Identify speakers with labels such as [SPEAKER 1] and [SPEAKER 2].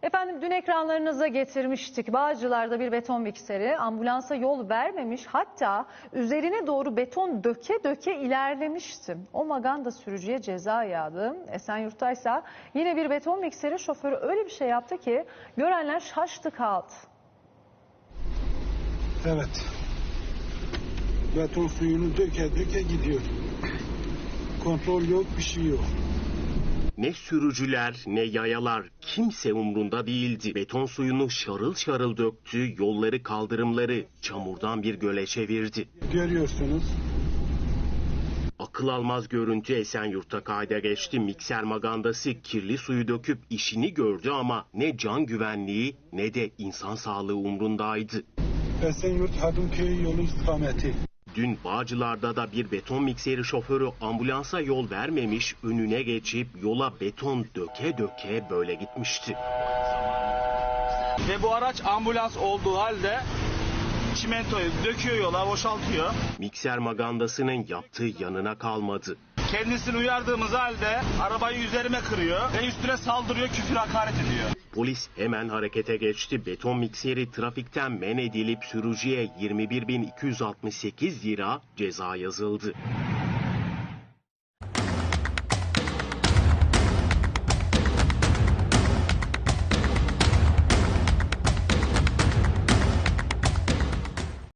[SPEAKER 1] Efendim dün ekranlarınıza getirmiştik. Bağcılar'da bir beton mikseri ambulansa yol vermemiş, hatta üzerine doğru beton döke döke ilerlemişti. O maganda sürücüye ceza yağdı. Esenyurt'taysa yine bir beton mikseri şoförü öyle bir şey yaptı ki görenler şaştı kaldı.
[SPEAKER 2] Evet. Beton suyunu döke döke gidiyor. Kontrol yok, bir şey yok.
[SPEAKER 3] Ne sürücüler ne yayalar, kimse umrunda değildi. Beton suyunu şarıl şarıl döktü, yolları kaldırımları çamurdan bir göle çevirdi.
[SPEAKER 2] Görüyorsunuz.
[SPEAKER 3] Akıl almaz görüntü Esenyurt'ta kayda geçti. Mikser magandası kirli suyu döküp işini gördü ama ne can güvenliği ne de insan sağlığı umrundaydı.
[SPEAKER 2] Esenyurt Hadımköy yolu istikameti.
[SPEAKER 3] Dün Bağcılar'da da bir beton mikseri şoförü ambulansa yol vermemiş, önüne geçip yola beton döke döke böyle gitmişti.
[SPEAKER 4] Ve bu araç ambulans olduğu halde çimentoyu döküyor, yola boşaltıyor.
[SPEAKER 3] Mikser magandasının yaptığı yanına kalmadı.
[SPEAKER 4] Kendisini uyardığımız halde arabayı üzerime kırıyor ve üstüne saldırıyor, küfür hakaret ediyor.
[SPEAKER 3] Polis hemen harekete geçti. Beton mikseri trafikten men edilip sürücüye 21.268 lira ceza yazıldı.